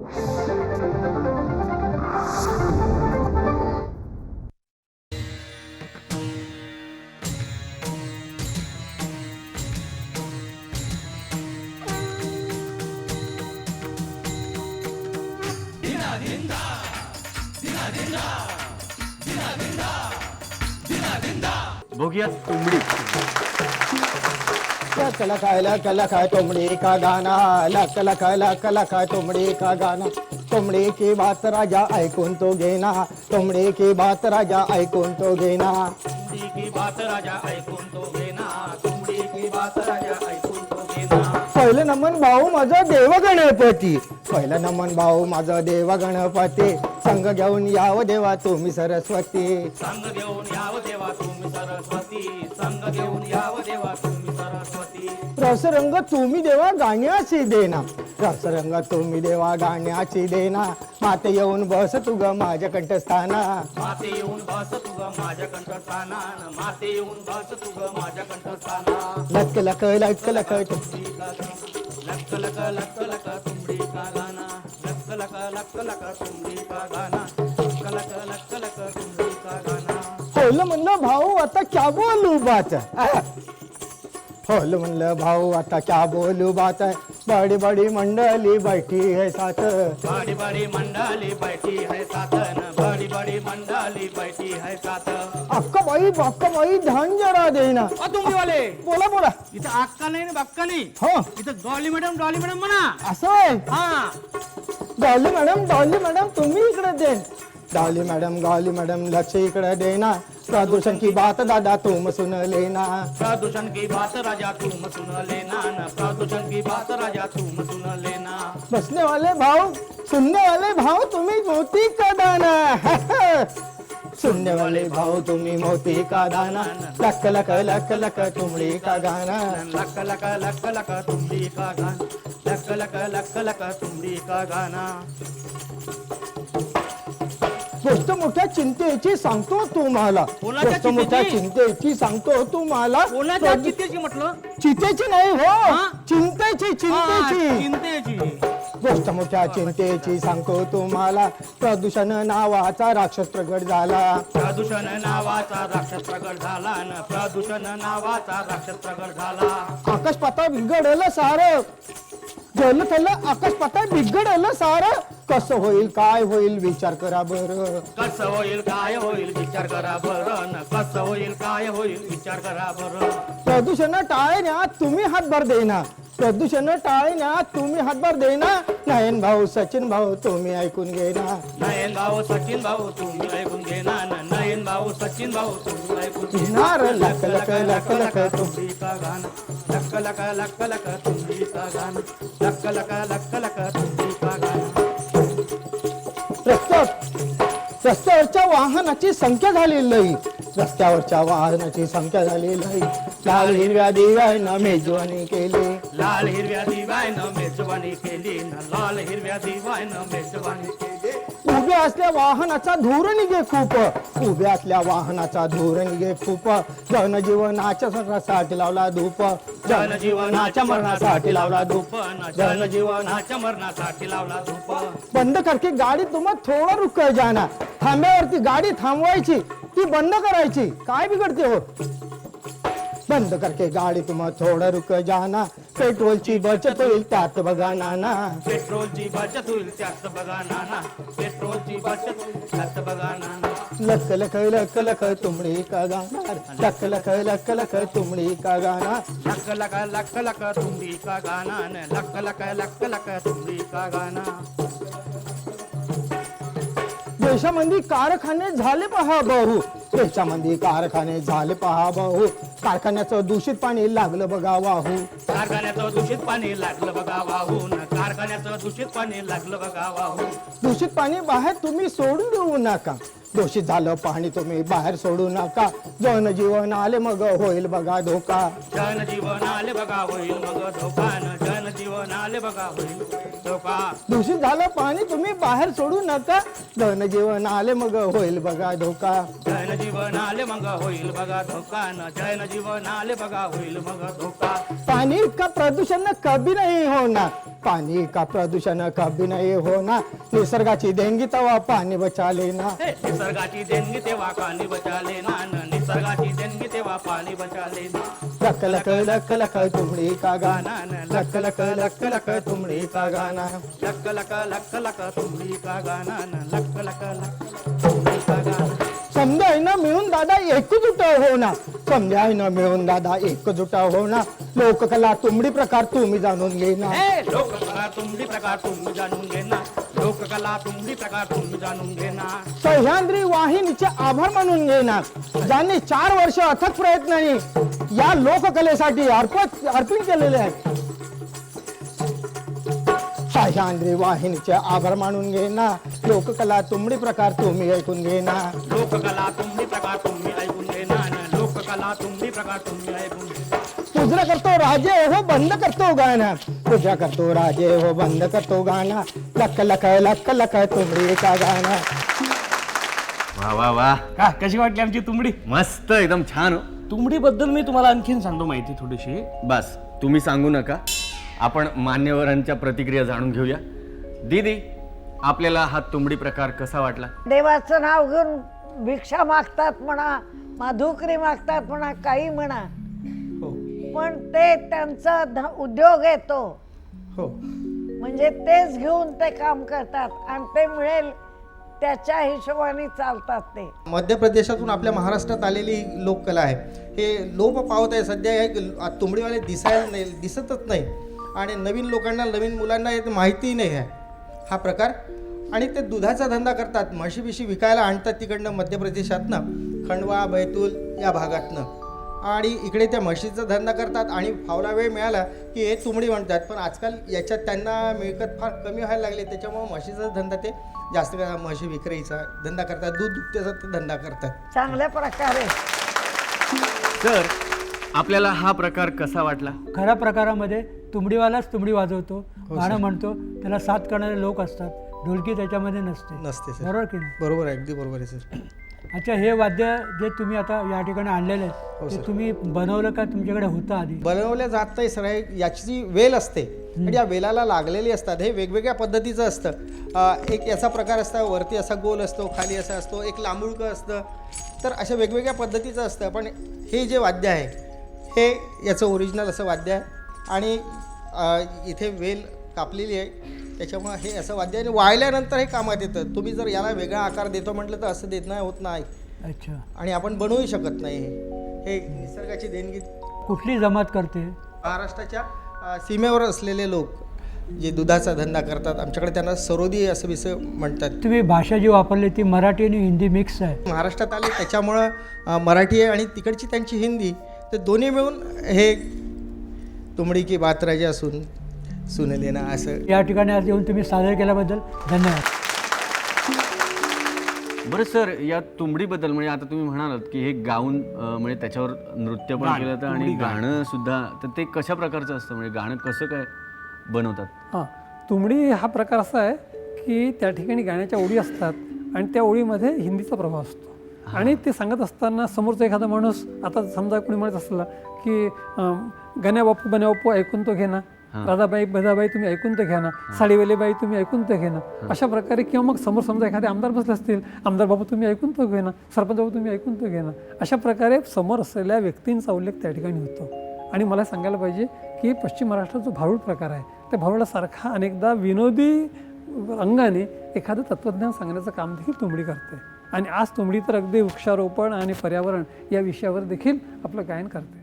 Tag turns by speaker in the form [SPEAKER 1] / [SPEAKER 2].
[SPEAKER 1] बघूया तुंबडी.
[SPEAKER 2] कला काय तुमड़ी का गाना, लक काय तुमड़ी का गाना. तुमड़ी की बात राजा ऐकून तो घेना, तुमड़ी की बात राजा ऐकून तो घेना.
[SPEAKER 1] तुमडी की बात राजा ऐकून तो घेना, तुमडी की बात राजा ऐकून तो घेना.
[SPEAKER 2] पहिलं नमन भाऊ माझा देव गणपती, पहिलं नमन भाऊ माझा देव गणपती. संग घेऊन याव देवा तुम्ही सरस्वती,
[SPEAKER 1] संग घेऊन याव देवा तुम्ही सरस्वती, संग घेऊन याव देवा तुम्ही सरस्वती.
[SPEAKER 2] रसरंग तुम्ही देवा गाण्याची देना, रसरंग तुम्ही देवा गाण्याची देना. माते येऊन बस तू ग माझ्या कंठस्थाना,
[SPEAKER 1] माते येऊन बस तू ग माझ्या कंठस्थाना, माते येऊन बस तू ग माझ्या कंठस्थाना.
[SPEAKER 2] लक लक लक लक
[SPEAKER 1] तुमडी का गाना, लक लक लक लक तुमडी का गाना, लक लक लक लक तुमडी का गाना, लक लक लक लक तुमडी का गाना.
[SPEAKER 2] होल म्हणलं भाऊ आता क्या बोलू बात, होल म्हणलं भाऊ आता क्या बोलू बात. बड़ी बड़ी मंडली बैठी है साथ,
[SPEAKER 1] बड़ी बड़ी मंडली बैठी है साथन, बड़ी बड़ी मंडली बैठी है साथ.
[SPEAKER 2] अक्का बाई ध्यान जरा देना.
[SPEAKER 1] तुम्ही वाले
[SPEAKER 2] बोला बोला.
[SPEAKER 1] इथं अक्का नाही ना बक्का नाही,
[SPEAKER 2] हो
[SPEAKER 1] इथं डॉली मॅडम म्हणा.
[SPEAKER 2] असं आहे.
[SPEAKER 1] हा
[SPEAKER 2] डॉली मॅडम तुम्ही इकडे दे. डॉली मॅडम लक्ष इकडे देना. प्रदूषण की बात दादा तुम सुन लेना,
[SPEAKER 1] प्रदूषण की बात राजा तुम सुन लेना, न प्रदूषण की बात राजा तुम सुन लेना.
[SPEAKER 2] बसने वाले भाव सुनने वाले भाव तुम्ही मोती का दाना. सुनने वाले भाव तुम्ही मोती का दाना. लक लक लक लक तुमड़ी का गाना,
[SPEAKER 1] लक लक लक लक तुमडी का गाना, लक लक लक लक तुमडी का गाना.
[SPEAKER 2] गोष्ट मोठ्या चिंतेची सांगतो तुम्हाला,
[SPEAKER 1] कोणाच्या
[SPEAKER 2] गोष्ट मोठ्या चिंतेची सांगतो तुम्हाला.
[SPEAKER 1] कोणाच्या चितेची म्हटलं,
[SPEAKER 2] चितेची नाही हो, चिंतेची
[SPEAKER 1] चिंतेची.
[SPEAKER 2] गोष्ट मोठ्या चिंतेची सांगतो तुम्हाला. प्रदूषण नावाचा राक्षस प्रगट झाला,
[SPEAKER 1] प्रदूषण नावाचा राक्षस प्रगट झाला, न प्रदूषण नावाचा राक्षस प्रगट झाला.
[SPEAKER 2] आकाश पाताळ बिघडलं सारं, जल थल्लं आकाश पाताळ बिघडलं सारं. कसं होईल काय होईल विचार करा बरं,
[SPEAKER 1] कसं होईल काय होईल विचार करा बरं, न कसं होईल काय होईल विचार करा बरं.
[SPEAKER 2] प्रदूषण टाळण्यात तुम्ही हातभार देना, प्रदूषण टाळण्यात तुम्ही हातभार देना. नयन भाऊ सचिन भाऊ तुम्ही ऐकून घेना,
[SPEAKER 1] नयन भाऊ सचिन भाऊ तुम्ही ऐकून घेना, नयन भाऊ सचिन भाऊ तुम्ही ऐकून
[SPEAKER 2] घेणार. लक लक लक लक
[SPEAKER 1] तुमडी का गाना, लक लक लक लक तुमडी का गाना, लक लक लक लक तुमडी का गाना.
[SPEAKER 2] रस्त्यावरच्या वाहनाची संख्या झाली लई, रस्त्यावरच्या वाहनाची संख्या झाली लई. लाल हिरव्या दिव्यानं मेजवानी केली,
[SPEAKER 1] लाल हिरव्या दिव्यानं मेजवानी केली, लाल हिरव्या दिव्यानं मेजवानी केली.
[SPEAKER 2] उभ्या असल्या वाहनाचा धूर निघे खूप, उभ्या असल्या वाहनाचा धूर निघे खूप. जनजीवनाच्या मरणासाठी लावला धूप,
[SPEAKER 1] जनजीवनाच्या मरणासाठी लावला धूप, जनजीवनाच्या मरणासाठी लावला धूप.
[SPEAKER 2] बंद करके गाडी तुम्हा थोडा रुक जाना. थांब्यावरती गाडी थांबवायची ती बंद करायची, काय बिघडते हो. बंद करके गाडी तुम्हा थोडा रुक जाना. पेट्रोलची बचत होईल त्यात बघा नाना,
[SPEAKER 1] पेट्रोलची बचत होईल त्यात बघा नाना, पेट्रोलची बचत होईल त्यात बघा नाना.
[SPEAKER 2] लक लक लक लक तुमड़ी का गाना, लक लक लक लक तुमड़ी का गाना.
[SPEAKER 1] लक लक लक लक तुमडी का गाना, लक लक लक लक तुमडी का गाना.
[SPEAKER 2] देशामध्ये कारखाने झाले पहा भाऊ, देशामध्ये कारखाने झाले पहा भाऊ. कारखान्याचं दूषित पाणी लागलं बघा वाहू,
[SPEAKER 1] कारखान्याचं दूषित पाणी लागलं बघा वाहून, कारखान्याचं दूषित पाणी लागलं बघा वाहून.
[SPEAKER 2] दूषित पाणी बाहेर तुम्ही सोडून देऊ नका, दूषित झालं पाणी तुम्ही बाहेर सोडू नका. जनजीवन आले मग होईल बघा धोका,
[SPEAKER 1] जनजीवन आले बघा होईल मग धोका, जनजीवन आले बघा होईल धोका.
[SPEAKER 2] दूषित झालं पाणी तुम्ही बाहेर सोडू नका. जनजीवन आले मग होईल बघा धोका,
[SPEAKER 1] जनजीवन आले मग होईल बघा धोका, जनजीवन आले बघा होईल मग धोका.
[SPEAKER 2] पानी का प्रदूषण कभी नहीं होना, पानी का प्रदूषण कभी नहीं होना, निसर्गाची देणगी तवा पाणी बचा लेना.
[SPEAKER 1] निसर्गाची देणगी तेव्हा पाणी बचा लेना, निसर्गाची देणगी तेव्हा पाणी बचा लेना.
[SPEAKER 2] लक लक लक लक तुमड़ी का गाना, लक लक लक लक तुमड़ी का गाना.
[SPEAKER 1] लक लक लक लक तुमड़ी का गाना, लक लक लक तुमड़ी का गाना.
[SPEAKER 2] समजाय ना मिळून दादा एकजुट हो ना, समजाय ना मिळून दादा एकजुट हो ना. लोककला तुमडी प्रकार तुम्ही जाणून घे ना.
[SPEAKER 1] लोककला तुमडी प्रकार तुम्ही जाणून घे ना, लोककला तुमडी प्रकार तुम्ही जाणून घे ना.
[SPEAKER 2] सह्याद्री वाहिनीचे आभार मानून घे ना, ज्यांनी 4 वर्ष अथक प्रयत्नांनी या लोककलेसाठी अर्पण केलेले आहेत. सह्याद्री वाहिनीचे आभार मानून घे ना, लोककला तुमडी प्रकार तुम्ही ऐकून घे ना.
[SPEAKER 1] लोककला तुमडी प्रकार तुम्ही ऐकून घे ना, लोककला तुमडी प्रकार तुम्ही ऐकून घे.
[SPEAKER 2] पूजा करतो राजे हो बंद करतो गाणं, पूजा करतो राजे हो बंद करतो गाणं. लक लक लक लक तुमडी का गाणं.
[SPEAKER 3] वा वा वा,
[SPEAKER 4] का कशी वाटली आमची तुंबडी?
[SPEAKER 3] मस्त एकदम छान हो.
[SPEAKER 4] तुंबडी बद्दल मी तुम्हाला आणखीन सांगतो माहिती थोडीशी.
[SPEAKER 3] बस तुम्ही सांगू नका, आपण मान्यवरांच्या प्रतिक्रिया जाणून घेऊया. दीदी, आपल्याला हा तुंबडी प्रकार कसा वाटला?
[SPEAKER 5] देवाचं नाव घेऊन भिक्षा मागतात म्हणा, माधुकरी मागतात म्हणा, काही म्हणा, पण ते त्यांचा उद्योग येतो.
[SPEAKER 2] हो
[SPEAKER 5] म्हणजे तेच घेऊन ते काम करतात आणि ते मिळेल त्याच्या हिशोबाने चालतात ते.
[SPEAKER 6] मध्य प्रदेशातून आपल्या महाराष्ट्रात आलेली ही लोककला आहे. हे लोप पावत आहे सध्या. हे तुंबडीवाले दिसतच नाही आणि नवीन लोकांना, नवीन मुलांना हे माहिती नाही आहे हा प्रकार. आणि ते दुधाचा धंदा करतात, म्हशी बिशी विकायला आणतात तिकडनं मध्य प्रदेशातनं, खंडवा बैतूल या भागातनं, आणि इकडे त्या म्हशीचा धंदा करतात. आणि फावला वेळ मिळाला की हे तुंबडी म्हणतात. पण आजकाल याच्यात त्यांना मिळकत फार कमी व्हायला लागली, त्याच्यामुळे म्हशीचा धंदा ते जास्त म्हशी विक्रीचा धंदा करतात, दूध दुभत्याचा ते धंदा करतात.
[SPEAKER 5] चांगल्या प्रकारे.
[SPEAKER 3] तर आपल्याला हा प्रकार कसा वाटला?
[SPEAKER 7] खऱ्या प्रकारामध्ये तुंबडीवालाच तुंबडी वाजवतो, गाणं म्हणतो, त्याला साथ करणारे लोक असतात, ढोलकी त्याच्यामध्ये
[SPEAKER 6] नसते सर.
[SPEAKER 7] बरोबर की नाही?
[SPEAKER 6] बरोबर आहे, अगदी बरोबर आहे सर.
[SPEAKER 7] अच्छा, हे वाद्य जे तुम्ही आता या ठिकाणी आणलेले आहेत ते तुम्ही बनवलं का तुमच्याकडे होतं आधी?
[SPEAKER 6] बनवल्या जात नाही सर. याची जी वेल असते आणि या वेलाला लागलेली असतात, हे वेगवेगळ्या पद्धतीचं असतं. एक याचा प्रकार असतो, वरती असा गोल असतो, खाली असा असतो, एक लांबुळकं असतं. तर अशा वेगवेगळ्या पद्धतीचं असतं. पण हे जे वाद्य आहे हे याचं ओरिजिनल असं वाद्य आहे. आणि इथे वेल कापलेली आहे, त्याच्यामुळे हे असं वाद्य आहे. आणि वाळल्यानंतर हे कामात येतं. तुम्ही जर याला वेगळा आकार देतो म्हटलं तर असं देत नाही, होत नाही.
[SPEAKER 7] अच्छा.
[SPEAKER 6] आणि आपण बनवूही शकत नाही. हे निसर्गाची देणगी.
[SPEAKER 7] कुठली जमात करते?
[SPEAKER 6] महाराष्ट्राच्या सीमेवर असलेले लोक जे दुधाचा धंदा करतात, आमच्याकडे त्यांना सरोदी असं विषय म्हणतात.
[SPEAKER 7] तुम्ही भाषा जी वापरली ती मराठी आणि हिंदी मिक्स आहे.
[SPEAKER 6] महाराष्ट्रात आले त्याच्यामुळं मराठी आहे आणि तिकडची त्यांची हिंदी, तर दोन्ही मिळून हे तुंबडी की बात राजा सुन लेना असं.
[SPEAKER 7] या ठिकाणी आज येऊन तुम्ही सादर केल्याबद्दल धन्यवाद.
[SPEAKER 3] बरं सर, या तुंबडीबद्दल म्हणजे आता तुम्ही म्हणालात की हे गाऊन म्हणजे त्याच्यावर नृत्य पण केलं जातं आणि गाणं सुद्धा, तर ते कशा प्रकारचं असतं? म्हणजे गाणं कसं काय बनवतात?
[SPEAKER 8] हां, तुंबडी हा प्रकार असा आहे की त्या ठिकाणी गाण्याच्या ओळी असतात आणि त्या ओळीमध्ये हिंदीचा प्रभाव असतो. आणि ते सांगत असताना समोरचा एखादा माणूस, आता समजा कोणी म्हणत असला की गण्या बापू बन्या बापू ऐकून तो घे ना, राधाबाई बदाबाई तुम्ही ऐकून तर घ्या ना, साडीवाले बाई तुम्ही ऐकून तर घे ना, अशा प्रकारे. किंवा मग समोर समजा एखादे आमदार बसले असतील, आमदार बाबू तुम्ही ऐकून तर घे ना, सरपंच बाबू तुम्ही ऐकून तर घे ना, अशा प्रकारे समोर असलेल्या व्यक्तींचा उल्लेख त्या ठिकाणी होतो. आणि मला सांगायला पाहिजे की पश्चिम महाराष्ट्रात जो भारूड प्रकार आहे, त्या भारुडासारखा अनेकदा विनोदी अंगाने एखादं तत्त्वज्ञान सांगण्याचं काम देखील तुंबडी करते. आणि आज तुंबडी तर अगदी वृक्षारोपण आणि पर्यावरण या विषयावर देखील आपलं गायन करते.